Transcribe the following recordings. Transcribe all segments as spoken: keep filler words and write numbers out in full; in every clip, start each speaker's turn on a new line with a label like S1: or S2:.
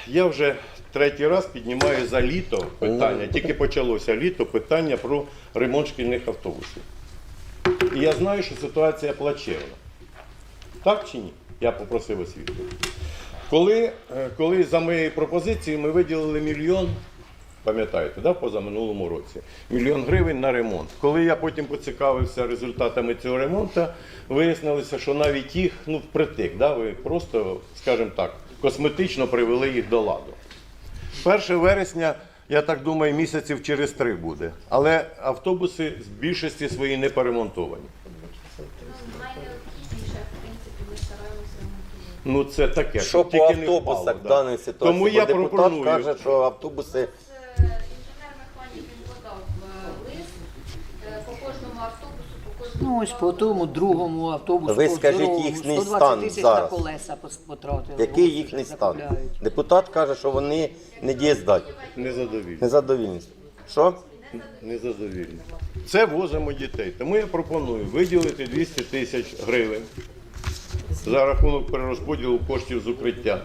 S1: я вже третій раз піднімаю за літо питання, тільки почалося літо, питання про ремонт шкільних автобусів. І я знаю, що ситуація плачевна. Так чи ні? Я попросив освіту. Коли, коли за моєю пропозицією ми виділили мільйон, пам'ятаєте, да, позаминулому році, мільйон гривень на ремонт. Коли я потім поцікавився результатами цього ремонту, вияснилося, що навіть їх, ну, впритик, да, ви просто, скажімо так, косметично привели їх до ладу. першого вересня, я так думаю, місяців через три буде. Але автобуси з більшості свої не перемонтовані. Ну це таке.
S2: Що по автобусах в даній ситуації?
S1: Тому я
S2: депутат
S1: пропоную.
S2: каже, що автобуси...
S3: Інженер-механік він подав лист по кожному автобусу, по кожному...
S4: Ну ось по тому другому автобусу.
S2: Ви скажіть
S4: здоровому,
S2: їхній
S4: сто двадцять
S2: стан
S4: тисяч
S2: зараз.
S4: на колеса потратили.
S2: Який їхній стан?
S4: Закупляють.
S2: Депутат каже, що вони не дієздатні,
S1: Незадовільні.
S2: незадовільні. Що?
S1: Незадовільні. Це возимо дітей. Тому я пропоную виділити двісті тисяч гривень за рахунок перерозподілу коштів з укриття.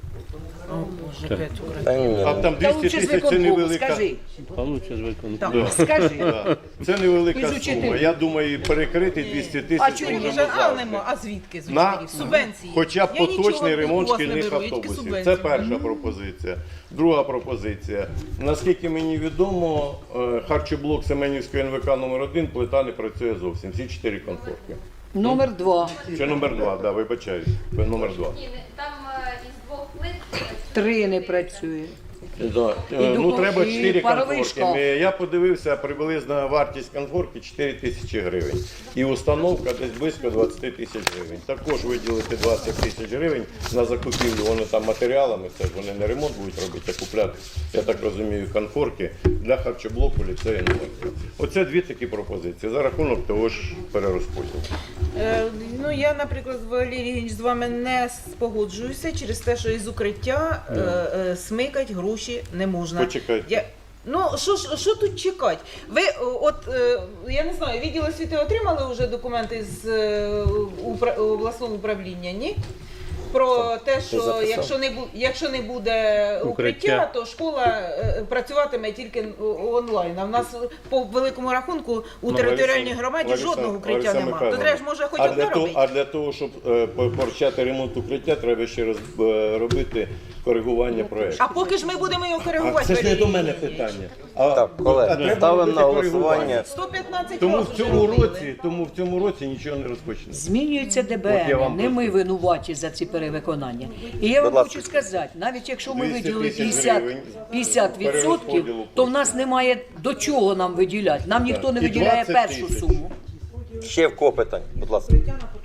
S2: Та ні,
S1: А там
S4: Та
S1: двісті
S4: лучше з
S1: тисяч це
S4: виконкому,
S1: невелика.
S4: скажи.
S5: Получше з виконку.
S1: Да.
S4: Скажи.
S1: Да. Це невелика
S4: Із
S1: сума. Я думаю, перекрити двісті
S4: А
S1: тисяч
S4: чому
S1: можемо
S4: ж?
S1: завжди.
S6: А, нема. А звідки з
S1: На
S6: учителів? Субвенції.
S1: хоча б
S6: Я нічого
S1: поточний
S6: у
S1: ремонт
S6: вас не
S1: шкільних
S6: беру, я тільки
S1: автобусів.
S6: субвенції.
S1: Це перша пропозиція. Друга пропозиція. Наскільки мені відомо, е, харчоблок Семенівської ен ве ка номер один плита не працює зовсім. Всі чотири конфорки.
S4: Номер два.
S1: Чи номер два, да, вибачаюсь. Номер два.
S3: Ні, не- там е, із двох плит...
S4: Три не працює.
S1: Да. Е,
S4: І
S1: Ну,
S4: духов-
S1: треба
S4: і
S1: чотири
S4: паровий
S1: конфорки.
S4: шкаф.
S1: Е, Я подивився, приблизна вартість конфорки чотири тисячі гривень. І установка десь близько двадцять тисяч гривень. Також виділити двадцять тисяч гривень на закупівлю, вони там матеріалами, це ж вони не ремонт будуть робити, а купляти, я так розумію, конфорки для харчоблоку ліцею номер два. Оце дві такі пропозиції за рахунок того ж перерозподілу.
S6: Е, ну, я, наприклад, Валерій Євгенійович, з вами не спогоджуюся через те, що із укриття е, е, смикать гроші не можна.
S1: Почекайте.
S6: Я, ну, що, ж- що тут чекати? Ви, о, от, е, я не знаю, відділ освіти отримали вже документи з е, упра- обласного управління, ні? Про те, що
S2: записав?
S6: якщо не, бу- якщо не буде укриття,
S5: Укриття.
S6: то школа е, працюватиме тільки онлайн. А в нас по великому рахунку у
S1: Ну,
S6: територіальній
S1: Лариса-
S6: громаді
S1: Лариса-
S6: жодного укриття
S1: Лариса
S6: немає. То
S1: Михайлівна,
S6: треба ж може хоч
S1: а
S6: одне
S1: для того,
S6: робити.
S1: а для того, щоб е, по- почати ремонт укриття, треба ще раз е, робити коригування проєкту.
S6: А поки ж ми будемо його
S1: А
S6: коригувати.
S1: це ж не
S6: Валерій
S1: до мене
S6: Євгенійович.
S1: питання. А,
S2: Так,
S1: а
S2: колеги,
S1: треба
S2: ставимо
S1: робити
S2: на
S1: коригування.
S2: голосування.
S6: сто п'ятнадцять
S1: Тому
S6: разів
S1: в
S6: вже
S1: цьому
S6: робили.
S1: році, тому в цьому році нічого не розпочне.
S4: Змінюється
S1: От я
S4: ДБН,
S1: вам
S4: не ми
S1: просто-
S4: винуваті за ці перевиконання. І я вам
S2: Будь ласка.
S4: хочу сказати, навіть якщо ми
S1: двісті
S4: виділили
S1: тисяч
S4: п'ятдесят,
S1: гривень
S4: п'ятдесят відсотків,
S1: перерозподілу
S4: то в нас немає до чого нам виділяти. Нам ніхто не
S1: І
S4: виділяє
S1: двадцять
S4: першу
S1: тисяч.
S4: суму.
S2: Ще в кого питання, будь ласка.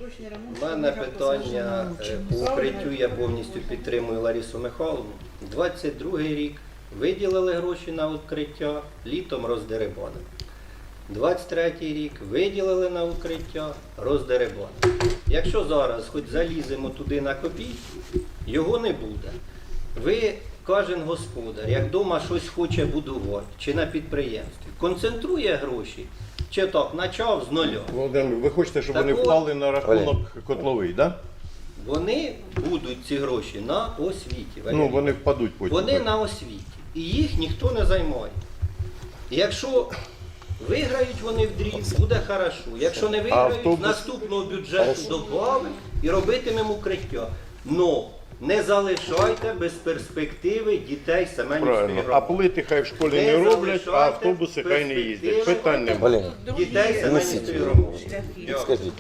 S7: У мене питання е, по укриттю, я повністю підтримую Ларису Михайловну. двадцять другий рік виділили гроші на укриття, літом роздерибанили. двадцять третій рік виділили на укриття, роздерибанили. Якщо зараз хоч заліземо туди на копійку, його не буде. Ви, кожен господар, як вдома щось хоче будувати, чи на підприємстві, концентрує гроші, чи так, почав з нуля.
S1: Володимир, ви хочете, щоб вони
S7: Так от,
S1: вклали на рахунок котловий, так?
S7: Вони будуть ці гроші на освіті. Валерій.
S1: Ну, вони впадуть потім.
S7: Вони на освіті. І їх ніхто не займає. І якщо виграють вони в дріб, буде хорошо. Якщо не виграють,
S1: автобус?
S7: з наступного бюджету добавимо і робитимемо укриття. Но не залишайте без перспективи дітей Семенівської
S1: Правильно. А
S7: громади.
S1: плити хай в школі
S7: Не
S1: не роблять, а
S7: залишайте
S1: автобуси хай не їздять.
S7: перспективи.
S1: Питань немає.
S2: Валерій,
S7: Дітей Семенівської
S2: Несіть.
S7: громади. Дякую.
S2: скажіть.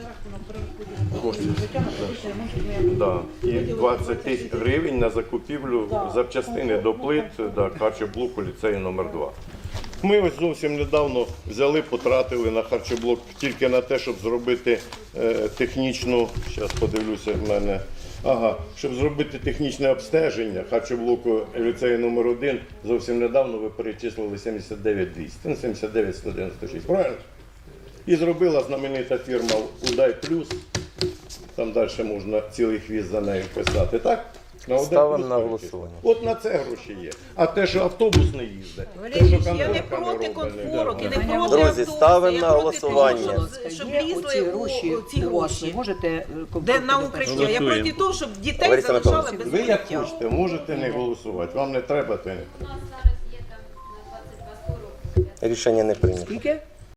S1: Да. І двадцять тисяч гривень на закупівлю запчастини до плит да, харчоблоку ліцею номер два. Ми ось зовсім недавно взяли, потратили на харчоблок тільки на те, щоб зробити е, технічну, зараз подивлюся в мене, ага, щоб зробити технічне обстеження харчоблоку ліцею номер один, зовсім недавно ви перечислили сімдесят дев'ять двісті, ну сімдесят дев'ять сто дев'яносто шість, правильно? І зробила знаменита фірма Удай Плюс, там далі можна цілий хвіст за нею писати, так? На один
S2: Ставимо
S1: плюс
S2: на
S1: кількість.
S2: голосування.
S1: От на це гроші є. А те, що автобус не їздить, те,
S6: Валерій,
S1: що
S6: я не
S1: конторка
S6: проти
S1: робить,
S6: конфорок, і не
S1: да.
S6: проти
S2: Друзі,
S6: автобусів.
S2: ставимо
S6: Я
S2: на
S6: проти
S2: голосування.
S6: того, щоб
S4: Є
S6: лізли
S4: оці
S6: у-
S4: гроші
S6: у ці
S4: у вас,
S6: гроші.
S4: ви можете е,
S6: Де
S4: комфортно
S6: на
S4: до
S6: укриття?
S4: першого.
S6: Я проти того, щоб дітей
S2: Лариса
S6: залишали
S2: Миколаївна,
S6: без
S1: Ви як
S6: укриття.
S1: хочете, можете не голосувати. Вам не треба, то не
S3: У нас зараз є там на двадцять два сорок.
S2: Рішення не прийнято.
S4: Скільки?